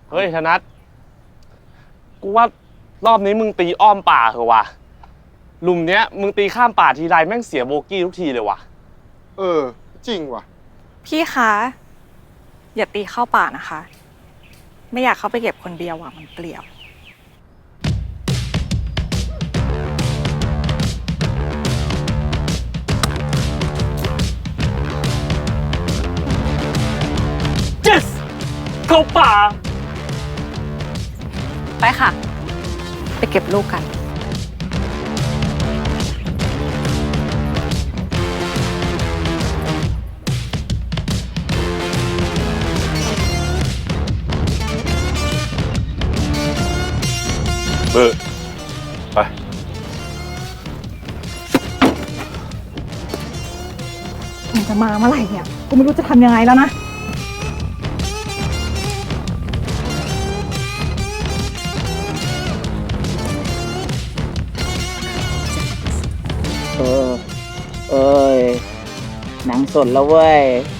เฮ้ยธนัทกูว่ารอบนี้มึงตีอ้อมป่าเหรอวะหลุมเนี้ยมึงตีข้ามป่าทีไรแม่งเสียโบกี้ทุกทีเลยวะจริงว่ะพี่คะ อย่าตีเข้าป่านะคะ ไม่อยากเข้าไปเก็บคนเดียวมันเปลี่ยว yes เข้าป่าไปค่ะ ไปเก็บลูกกันไปมันจะมาเมื่อไหร่เนี่ย กูไม่รู้จะทำยังไงแล้วนะเอ้ยหนังสดแล้วเว้ย